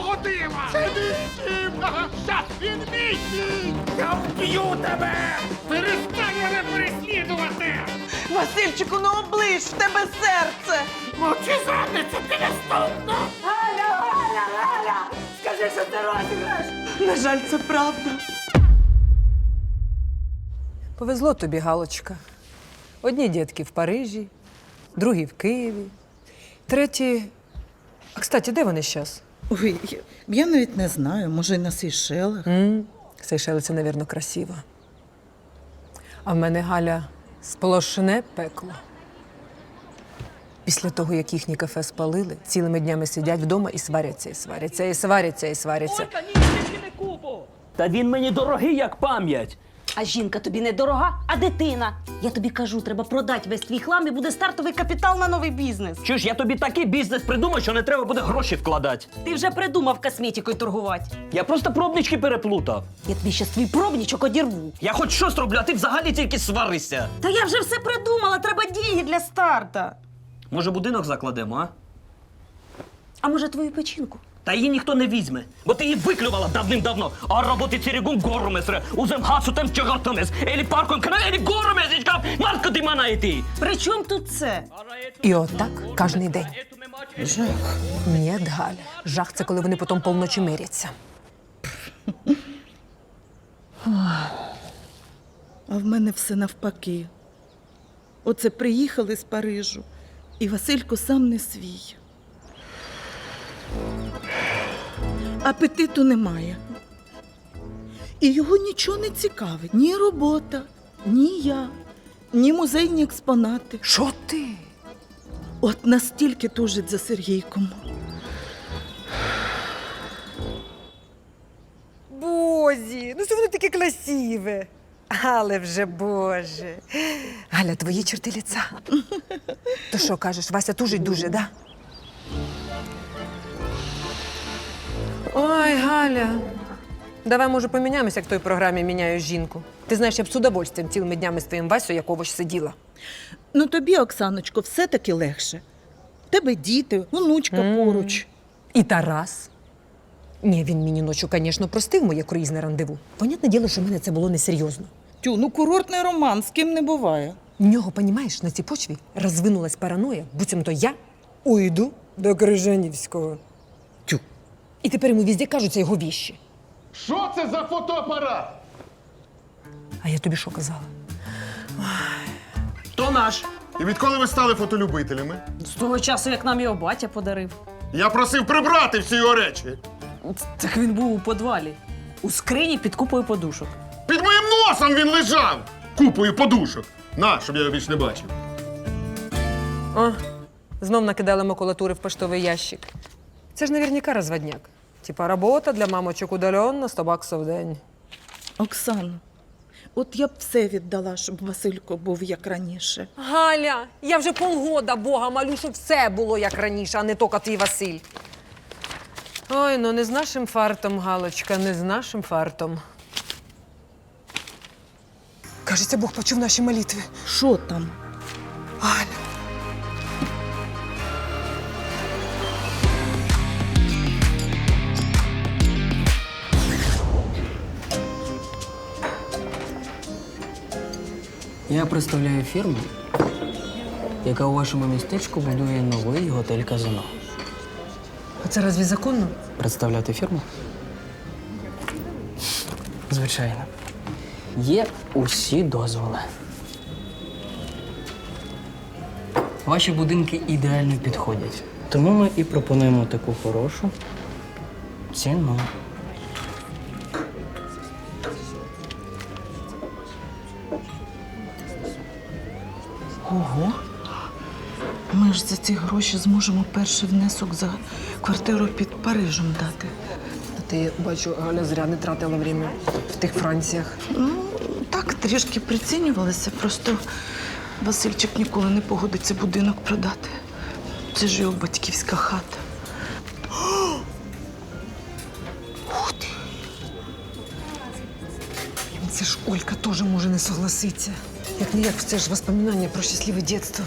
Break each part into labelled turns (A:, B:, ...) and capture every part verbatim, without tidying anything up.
A: якого дива? Це мій дім! Щас він мій дім! Я вб'ю тебе! Перестань мене переслідувати!
B: Васильчику, ну оближ, в тебе серце!
A: Мовчи, задниця, ти наступна!
B: Галя, Галя, Галя! Скажи, що ти розіграш! На жаль, це правда.
C: Повезло тобі, Галочка. Одні дітки в Парижі, другі в Києві, треті… А, кстати, де вони зараз?
D: Ой, я, я навіть не знаю, може, й на Сейшелах.
C: М, Сейшели – це, мабуть, красиво. А в мене, Галя, сплошне пекло. Після того, як їхні кафе спалили, цілими днями сидять вдома і сваряться, і сваряться, і сваряться, і сваряться.
E: Та він мені дорогий, як пам'ять.
F: А жінка тобі не дорога, а дитина. Я тобі кажу, треба продати весь твій хлам і буде стартовий капітал на новий бізнес.
E: Чуєш, я тобі такий бізнес придумав, що не треба буде гроші вкладати.
F: Ти вже придумав косметикою торгувати.
E: Я просто пробнички переплутав.
F: Я тобі щас твій пробничок одірву.
E: Я хоч щось роблю, а ти взагалі тільки сваришся.
F: Та я вже все придумала, треба деньги для старта.
E: Може, будинок закладемо, а?
F: А може твою печінку?
E: Та її ніхто не візьме, бо ти її виклювала давним-давно. А роботи церегун горумесре, узем хасутем чагатамес, елі парком кна, елі горумесичка, марко ти мана йти.
F: При чому тут це?
C: І отак кожний день.
D: Жах.
C: Ні, Галя, жах – це коли вони потім полночі миряться.
D: А в мене все навпаки. Оце приїхали з Парижу, і Василько сам не свій. Апетиту немає. І його нічого не цікавить. Ні робота, ні я, ні музейні експонати.
C: Що ти?
D: От настільки тужить за Сергійком.
C: Бозі, ну це воно таке красиве. Але вже, Боже. Галя, твої черти лиця. То що кажеш, Вася тужить дуже, да? Ой, Галя. Давай, може, поміняємося, як в той програмі «Міняю жінку». Ти знаєш, я б з удовольствием цілими днями з твоїм Васю якогось сиділа.
D: Ну тобі, Оксаночко, все-таки легше. В тебе діти, онучка поруч.
C: І Тарас. Ні, він мені ночі, звісно, простив моє круїзне рандеву. Понятне діло, що в мене це було несерйозно.
D: Тю, ну курортний роман, з ким не буває.
C: В нього, понімаєш, на цій почві розвинулась параноя, буцімто я уйду до Крижанівського.
D: Тю.
C: І тепер йому везде кажуться його віщі.
A: Що це за фотоапарат?
C: А я тобі що казала?
E: То наш.
A: І відколи ви стали фотолюбителями?
F: З того часу, як нам його батя подарив.
A: Я просив прибрати всі його речі.
F: Так він був у подвалі. У скрині під купою подушок.
A: Під моїм носом він лежав! Купою подушок. На, щоб я його більш не бачив.
C: О, знов накидали макулатури в поштовий ящик. Це ж наверняка розводняк. Типа робота для мамочок удаленно, сто баксів в день.
D: Оксано, от я б все віддала, щоб Василько був як раніше.
C: Галя, я вже полгода Бога молю, щоб все було як раніше, а не тільки твій Василь. Ой, ну не з нашим фартом, Галочка, не з нашим фартом. Кажеться, Бог почув наші молитви.
D: Що там?
C: Галя.
G: Я представляю фірму, яка у вашому містечку будує новий готель-казино.
C: А це разві законно?
G: Представляти фірму? Звичайно. Є усі дозволи. Ваші будинки ідеально підходять. Тому ми і пропонуємо таку хорошу ціну.
D: Ого. Ми ж за ці гроші зможемо перший внесок за квартиру під Парижем дати.
C: А ти, бачу, Галя зря не тратила время в тих Франціях.
D: Ну, так, трішки прицінювалися, просто Васильчик ніколи не погодиться будинок продати. Це ж його батьківська хата.
C: Ух ти! Це ж Олька теж може не согласитися. Як не як, це ж воспоминання про щасливе дитинство.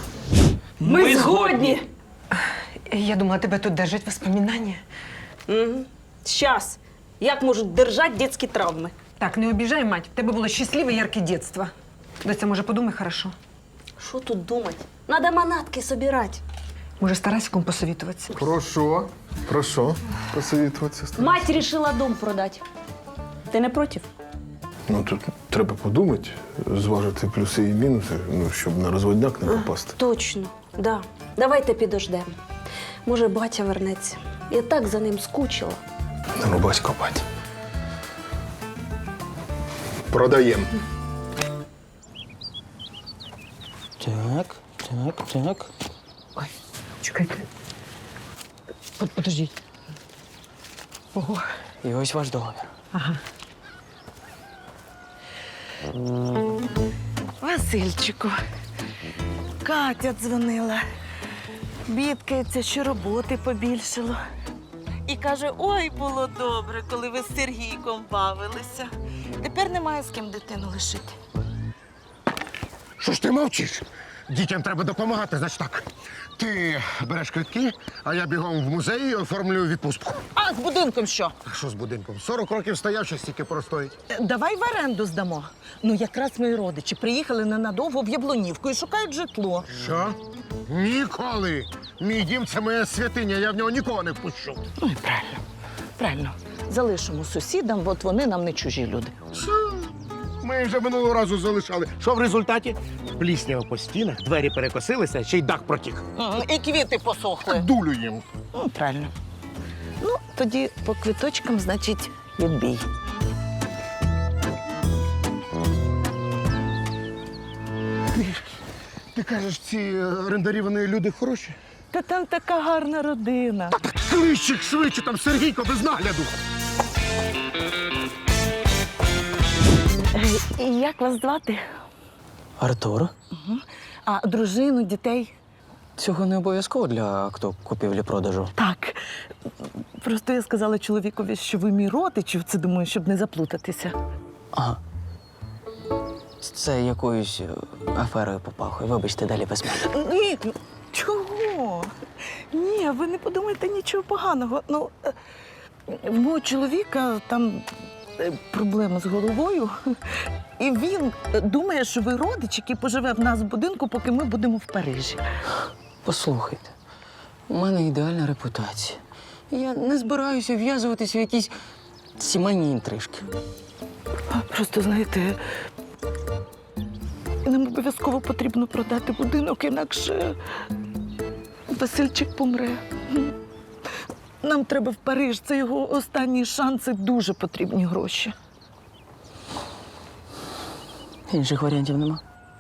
E: Ми згодні!
C: Я думала, тебе тут держать воспоминання.
F: Угу. Щас. Як можуть держати дитячі травми?
C: Так, не обіжай, мать. В тебе було щасливе, ярке дитинство. Доця, може, подумай хорошо.
F: Що тут думати? Надо манатки собирати.
C: Може, з Тарасиком посовітуватися.
H: Про що? Про що? Посовітуватися з тобою?
F: Мать рішила дом продати. Ти не проти?
H: Ну, тут треба подумати, зважити плюси і мінуси, ну, щоб на розводняк не попасти.
F: Точно, да. Давайте підождемо. Може, батя вернеться. Я так за ним скучила.
H: Ну, батько, бать. Продаємо.
G: Так, так, так.
C: Чекайте. Под- Подождіть. Ого.
G: І ось ваш договір.
D: Васильчику, Катя дзвонила. Бідкається, що роботи побільшало. І каже, ой, було добре, коли ви з Сергійком бавилися. Тепер немає з ким дитину лишити.
A: Що ж ти мовчиш? Дітям треба допомагати, значить так. Ти береш квитки, а я бігом в музей і оформлюю відпустку.
D: А з будинком що?
A: А що з будинком? сорок років стояв, ще стільки простоїть.
D: Давай в оренду здамо. Ну, якраз мої родичі приїхали ненадовго в Яблунівку і шукають житло.
A: Що? Ніколи! Мій дім – це моя святиня, я в нього нікого не впущу.
D: Ну і правильно. Правильно. Залишимо сусідам, от вони нам не чужі люди.
A: Що? Ми вже минулого разу залишали. Що в результаті? Пліснява по стінах, двері перекосилися, ще й дах протік.
D: І квіти посохли.
A: Дулю їм.
D: Ну, правильно. Ну, тоді по квиточкам, значить, відбій.
A: Ти кажеш, ці е, орендарі, вони люди хороші?
D: Та там така гарна родина.
A: Клищик швидше, там Сергійко без нагляду.
D: І як вас звати?
G: Артур?
D: А дружину, дітей?
G: Цього не обов'язково для акту купівлі-продажу.
D: Так. Просто я сказала чоловікові, що ви мій родич, це думаю, щоб не заплутатися.
G: Ага. Це якоюсь е, аферою попахує. Вибачте, далі без мене.
D: Ні, ну, чого? Ні, ви не подумайте нічого поганого. Ну, е, в мого чоловіка там е, проблема з головою, і він е, думає, що ви родич, який поживе в нас в будинку, поки ми будемо в Парижі.
G: Послухайте, у мене ідеальна репутація. Я не збираюся в'язуватися в якісь сімейні інтрижки.
D: Просто, знаєте, нам обов'язково потрібно продати будинок, інакше Васильчик помре. Нам треба в Париж, це його останній шанс, це дуже потрібні гроші.
G: Інших варіантів нема.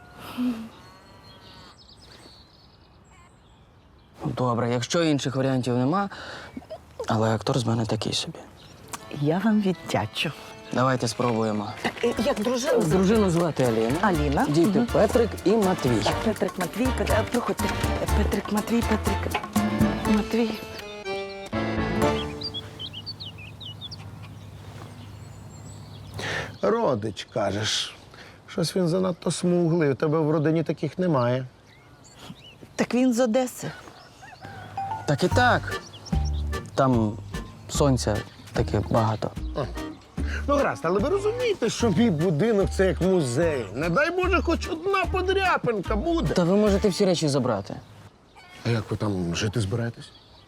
G: Добре, якщо інших варіантів нема, але актор з мене такий собі.
D: Я вам віддячу.
G: Давайте спробуємо.
D: Як дружина?
G: Дружину звати Аліна.
D: Аліна.
G: Діти
D: Мгм.
G: Петрик і Матвій.
D: Петрик, Матвій, Петрик, проходьте. Петрик, Матвій, Петрик, Матвій.
A: Родич, кажеш. Щось він занадто смуглий, у тебе в родині таких немає.
D: Так він з Одеси.
G: Так і так. Там сонця таке багато.
A: Ну, гаразд, але ви розумієте, що мій будинок – це як музей. Не дай Боже, хоч одна подряпинка буде.
G: Та ви можете всі речі забрати.
A: А як ви там жити збираєтесь?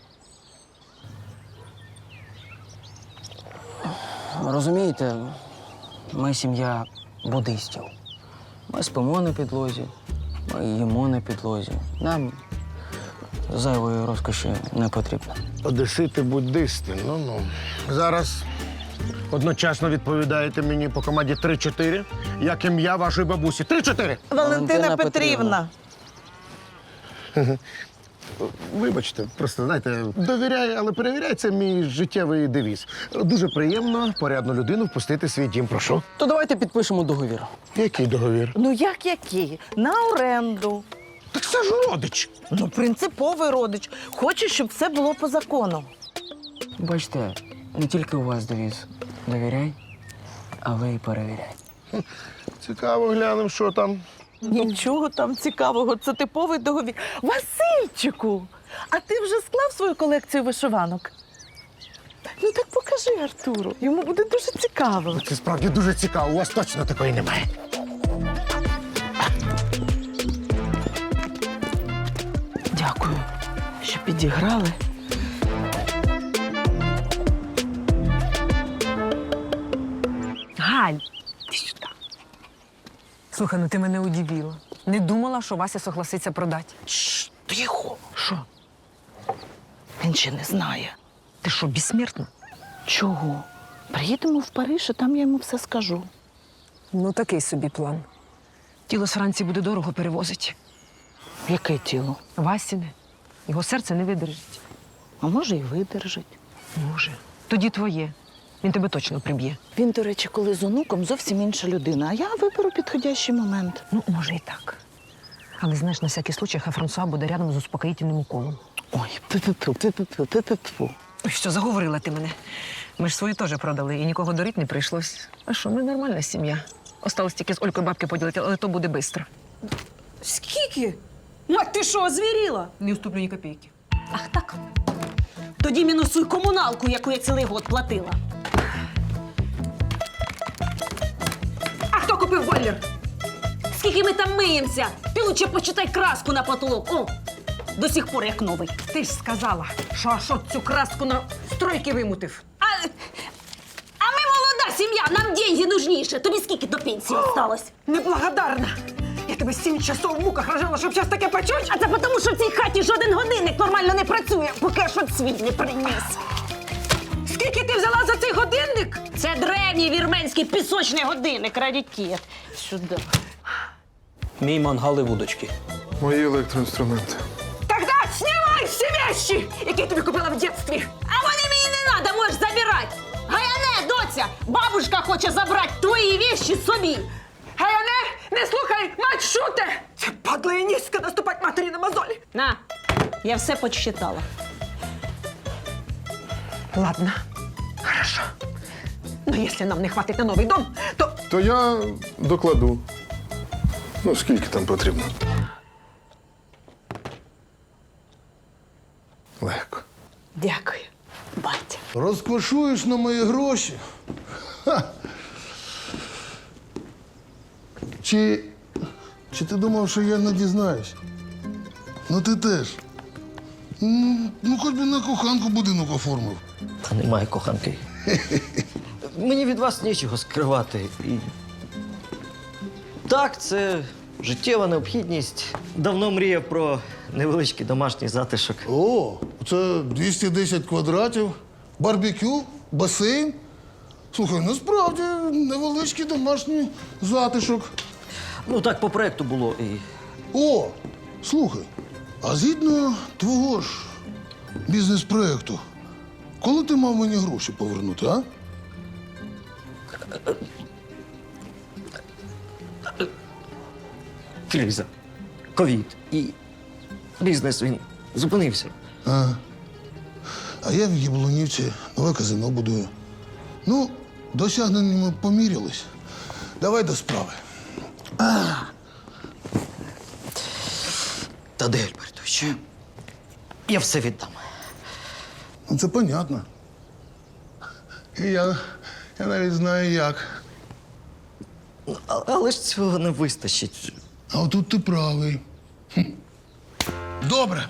G: Розумієте, ми сім'я буддистів. Ми спимо на підлозі, ми їмо на підлозі. Нам зайвої розкоші не потрібно.
A: Одесити буддисти, ну-ну. Зараз одночасно відповідаєте мені по команді три-чотири, як ім'я вашої бабусі. Три-чотири!
D: Валентина,
G: Валентина
D: Петрівна.
G: Петрівна.
A: Вибачте, просто знаєте, довіряй, але перевіряй, це мій життєвий девіз. Дуже приємно порядну людину впустити в свій дім. Прошу.
G: То давайте підпишемо договір.
A: Який договір?
D: Ну як який? На оренду.
A: Так це ж родич.
D: Ну, принциповий родич. Хоче, щоб все було по закону.
G: Бачите, не тільки у вас девіз. Довіряй, а ви і перевіряй.
A: Цікаво, глянемо, що там.
D: Нічого там цікавого, це типовий договір. Васильчику, а ти вже склав свою колекцію вишиванок? Ну так покажи Артуру. Йому буде дуже цікаво.
A: Це справді дуже цікаво, у вас точно такої немає.
D: Дякую, що підіграли.
C: Галь, ти сюди. Слухай, ну ти мене удивила. Не думала, що Вася согласиться продати.
D: Шш, тихо. Що? Він ще не знає.
C: Ти що, безсмертна?
D: Чого? Приїдемо в Париж, і там я йому все скажу.
C: Ну, такий собі план. Тіло з Франції буде дорого перевозити.
D: Яке тіло?
C: Васіне. Його серце не видержить.
D: А може, і видержить.
C: Може. Тоді твоє. Він тебе точно приб'є.
D: Він, до речі, коли з онуком зовсім інша людина, а я виберу підходящий момент.
C: Ну, може і так. Але знаєш, на всякий случай, хай Франсуа буде рядом з успокоїтельним уколом.
D: Ой, пи-пи-пу, пи-пи-пу, пи-пи-пу.
C: Ой, що, заговорила ти мене. Ми ж свою теж продали, і нікого дорити не прийшлось. А що, ми нормальна сім'я. Осталось тільки з Олькою бабки поділити, але то буде швидко.
F: Скільки? Мать, ти що, звіріла?
C: Не уступлю ні копійки.
F: Ах так. Тоді мінусуй комуналку, яку я цілий год платила.
C: А хто купив бойлер?
F: Скільки ми там миємося? Ти лучше почитай краску на потолок. О, до сих пор як новий.
C: Ти ж сказала, що Ашот цю краску на стройки вимутив.
F: А, а ми молода сім'я, нам деньги нужніше. Тобі скільки до пенсії осталось?
C: Неблагодарна. Я тебе сім часов в муках рожала, щоб щось таке почуть.
F: А це тому, що в цій хаті жоден годинник нормально не працює, поки Ашот свій не приніс.
C: Скільки ти взяла за цей годинник?
F: Це древній вірменський пісочний годинник, раритет. Сюди.
E: Мій мангал і вудочки.
H: Мої електроінструменти.
C: Тогда знімай всі вещи, які я тобі купила в дитинстві.
F: А вони мені не треба, можеш забирати. Гаяне, доця, бабушка хоче забрати твої вещи собі.
C: Гаяне, не слухай, мать шуте! Це падла і низько наступать матері на мозолі.
F: На, я все подсчитала.
C: Ладно, хорошо. Но якщо нам не хватить на новий дом, то
H: То я докладу. Ну, скільки там потрібно. Легко.
D: Дякую, батя.
I: Розкошуєш на мої гроші? Ха. Чи, чи ти думав, що я не дізнаюсь? Ну ти теж. Ну, ну хоч би на коханку будинок оформив.
G: Та немає коханки. Мені від вас нічого скривати. І... Так, це життєва необхідність. Давно мріяв про невеличкий домашній затишок.
I: О, це двісті десять квадратів, барбекю, басейн. Слухай, насправді невеличкий домашній затишок.
G: Ну так по проекту було. І...
I: О, слухай, а згідно твого ж бізнес-проекту, коли ти мав мені гроші повернути, а?
G: Криза, ковід і бізнес він зупинився.
I: А, а я в Яблунівці нове казино будую. Ну, досягненнями помірялись. Давай до справи.
G: Тадей Альбертович, я все віддам.
I: Ну, це понятно. І я, я навіть знаю як.
G: А- Але ж цього не вистачить.
I: А отут ти правий. Хм. Добре.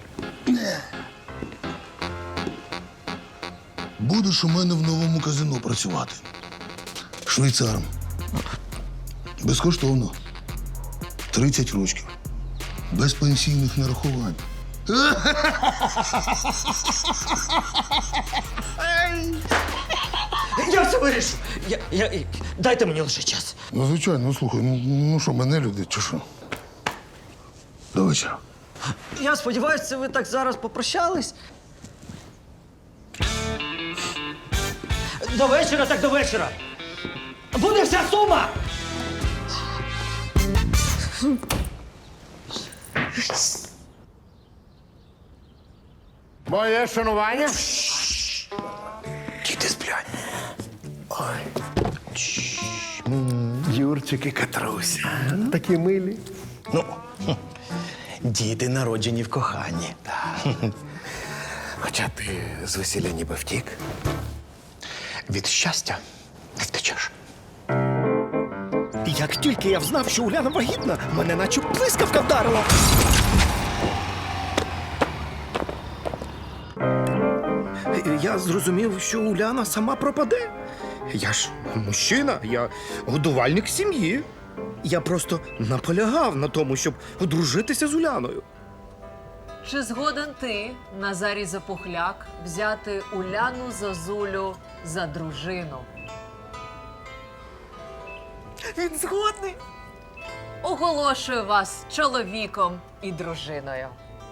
I: Будеш у мене в новому казино працювати. Швейцаром. Безкоштовно. тридцять ручків. Без пенсійних нарахувань.
G: Я все вирішу. Я, я, дайте мені лише час.
I: Ну, звичайно, ну слухай, ну, ну що, мене люди, чи що? До вечора.
G: Я сподіваюся, це ви так зараз попрощались. До вечора, так до вечора. Буде вся сума!
A: Моє шанування.
H: Діти сплять. Ой. Юрчик і Катруся. Такі милі.
J: Ну, хм, діти народжені в коханні. Хоча ти з весілля ніби втік. від щастя не втечеш.
K: Як тільки я взнав, що Уляна вагітна, мене наче блискавка вдарила. Я зрозумів, що Уляна сама пропаде. Я ж мужчина, я годувальник сім'ї. Я просто наполягав на тому, щоб одружитися з Уляною.
L: Чи згоден ти, Назарій Запухляк, взяти Уляну Зозулю за дружину?
B: Він згодний.
L: Оголошую вас чоловіком і дружиною.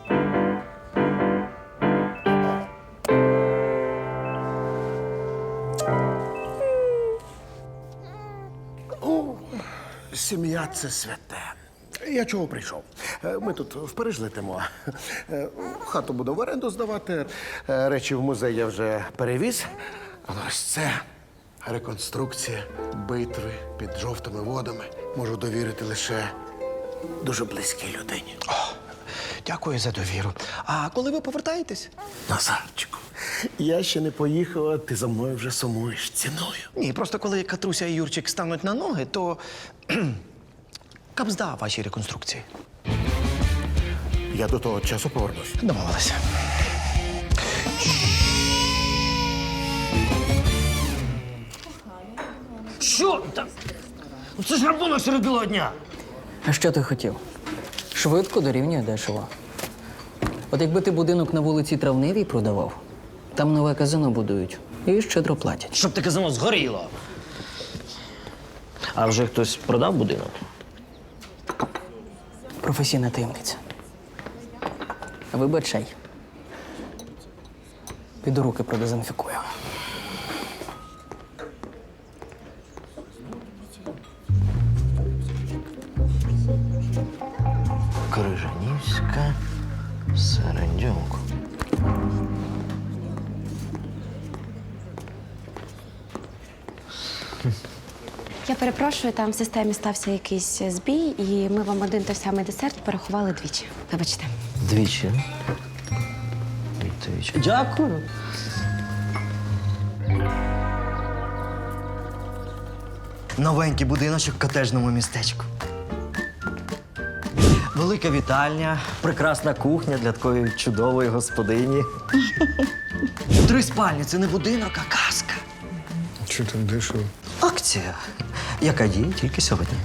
A: Сім'я це святе. Я чого прийшов? Е, Ми тут в Париж летимо. Е, Хату буду в оренду здавати. Е, Речі в музей я вже перевіз. Але ось це реконструкція битви під жовтими водами. Можу довірити лише дуже близькій людині.
J: Дякую за довіру. А коли ви повертаєтесь?
A: Назарчику, я ще не поїхав, а ти за мною вже сумуєш. Ціную.
J: Ні, просто коли Катруся і Юрчик стануть на ноги, то кхм, капзда вашій реконструкції.
A: Я до того часу повернусь.
J: Домовилися.
E: Що там? Це ж рахунок серед білого дня.
G: А що ти хотів? Швидко дорівнює дешево. От якби ти будинок на вулиці Травневій продавав, там нове казино будують і щедро платять.
E: Щоб таке казино згоріло. А вже хтось продав будинок?
G: Професійна таємниця. Вибачай. Піду руки продезінфікую.
E: Крижанівська, Середюк.
M: Я перепрошую, там в системі стався якийсь збій, і ми вам один той самий десерт порахували двічі. Вибачте.
E: Двічі. Двічі. Дякую.
K: Новенький будиночок в котеджному містечку. Велика вітальня, прекрасна кухня для такої чудової господині. Три спальні це не будинок, а казка.
H: Чи так дешево?
K: Акція, яка діє тільки сьогодні.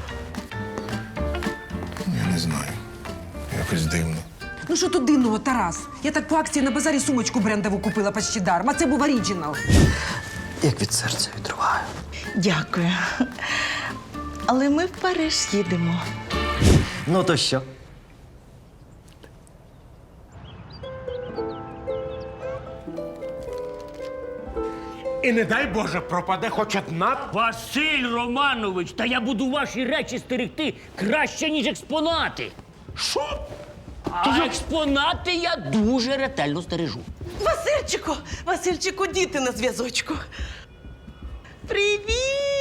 H: Я не знаю. Якось дивно.
C: Ну що тут дивного, Тарас? Я так по акції на базарі сумочку брендову купила почти даром, а це був оригінал.
K: Як від серця відриваю.
D: Дякую. Але ми в Париж їдемо.
K: Ну то що?
A: І не дай Боже, пропаде хоч одна.
E: Василь Романович, та я буду ваші речі стерегти краще, ніж експонати.
A: Що?
E: А експонати я дуже ретельно стережу.
B: Васильчику! Васильчику, діти на зв'язочку. Привіт!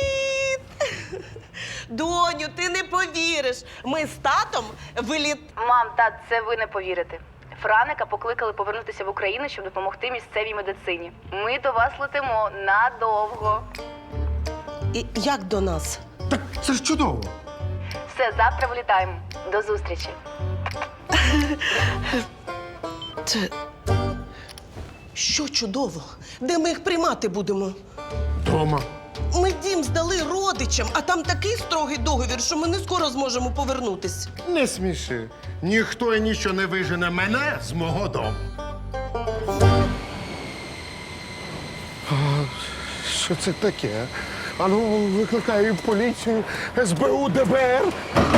B: Доню, ти не повіриш. Ми з татом виліт...
N: Мам, тат, це ви не повірите. Франика покликали повернутися в Україну, щоб допомогти місцевій медицині. Ми до вас летимо надовго.
B: І як до нас?
A: Так це ж чудово.
N: Все, завтра вилітаємо. До зустрічі.
B: Це... Що чудово? Де ми їх приймати будемо?
A: Дома.
B: Ми дім здали родичам, а там такий строгий договір, що ми не скоро зможемо повернутись.
A: Не сміши. Ніхто і ніщо не вижене мене з мого дому. А, що це таке? Ану, викликаю поліцію, ес бе у, де бе ер.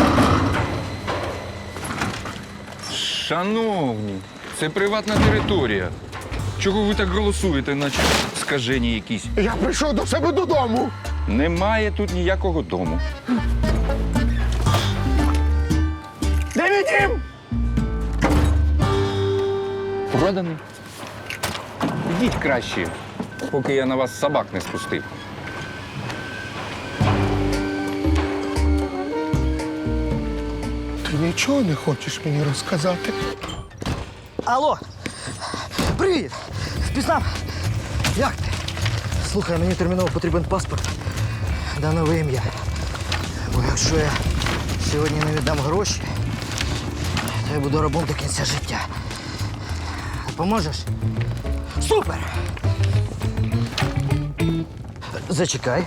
O: Шановні, це приватна територія. Чого ви так голосуєте, наче скажені якісь?
A: Я прийшов до себе додому.
O: Немає тут ніякого дому.
A: Де мій дім?
O: Проданий. Ідіть краще, поки я на вас собак не спустив.
A: Ти нічого не хочеш мені розказати?
K: Алло! Привіт! Впізнав? Як ти?
J: Слухай, мені терміново потрібен паспорт да нове ім'я. Бо якщо я сьогодні не віддам гроші, то я буду рабом до кінця життя. Поможеш? Супер! Зачекай.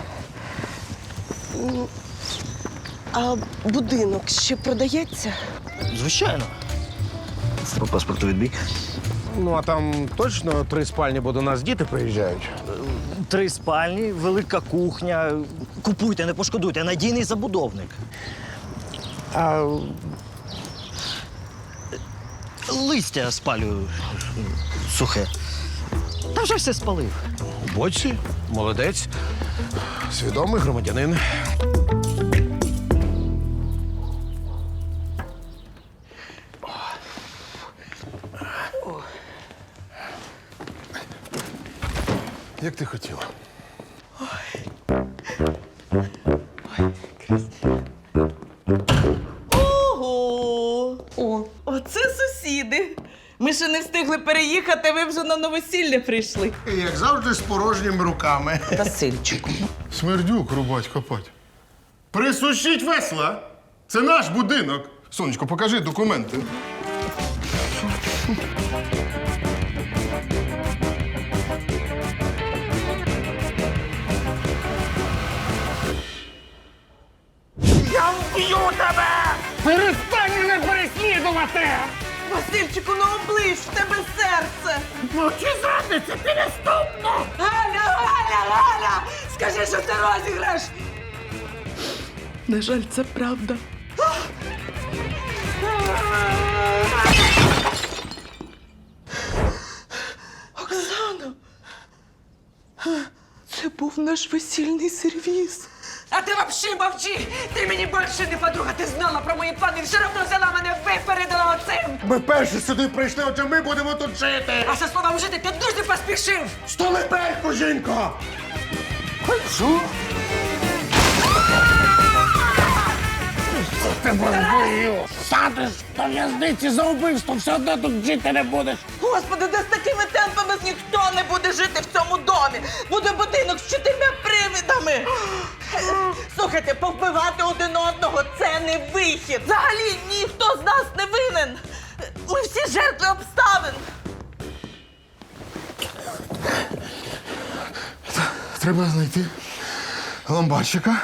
D: А будинок ще продається?
J: Звичайно. По паспорту відбій.
A: Ну, а там точно три спальні, бо до нас діти приїжджають.
J: Три спальні, велика кухня. Купуйте, не пошкодуйте, надійний забудовник.
A: А
J: Листя спалюю сухе. Та вже все спалив.
A: у боці, молодець, свідомий громадянин.
I: Як ти хотіла?
D: Ого! О, оце сусіди. Ми ще не встигли переїхати, ви вже на новосілля прийшли.
A: І, як завжди, з порожніми руками.
D: Васильчику.
I: Смердюк рубать, копать. Присушіть весла! Це наш будинок. Сонечко, покажи документи.
A: Я вб'ю тебе! Перестань мене переслідувати!
D: Васильчику, ну оближ, в тебе серце.
A: Мовчи, зрадниця, ти наступно!
D: Галя, Галя, Галя! Скажи, що це розіграш. На жаль, це правда. Оксана! Це був наш весільний сервіз.
C: А ти вообще мовчи! Ти мені більше не подруга, ти знала про мої плани, все одно взяла мене, випередила оцим!
A: Ми перші сюди прийшли, отже ми будемо тут жити!
C: А за словом жити ти дуже поспішив!
A: Столипельку, жінко! Що? Тебе вбию! Садиш до в'язниці за вбивство, все одно тут жити не будеш!
D: Господи, де з такими темпами ніхто не буде жити в цьому домі. Буде будинок з чотирма привидами. Слухайте, повбивати один одного – це не вихід. Взагалі ніхто з нас не винен. Ми всі жертви обставин.
I: Треба знайти ломбарщика.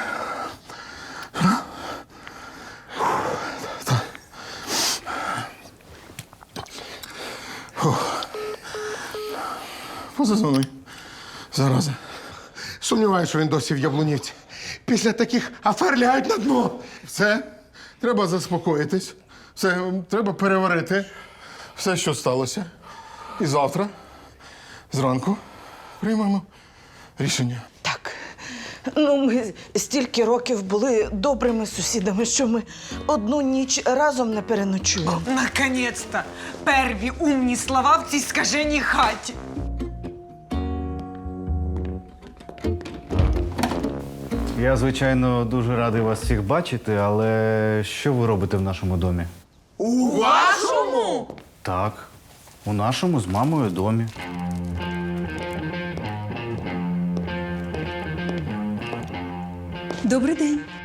I: Позазвони. Зараза.
A: Сумніваюся, що він досі в Яблунівці. Після таких афер лягають на дно.
I: Все, треба заспокоїтись. Все, треба переварити все, що сталося. І завтра, зранку, приймемо рішення.
D: Так. Ну, ми стільки років були добрими сусідами, що ми одну ніч разом не переночуємо.
C: Наконець-то! Перві умні слова в цій скаженій хаті.
P: Я, звичайно, дуже радий вас всіх бачити, але що ви робите в нашому домі?
C: У вашому?
P: Так, у нашому з мамою домі.
C: Добрий день.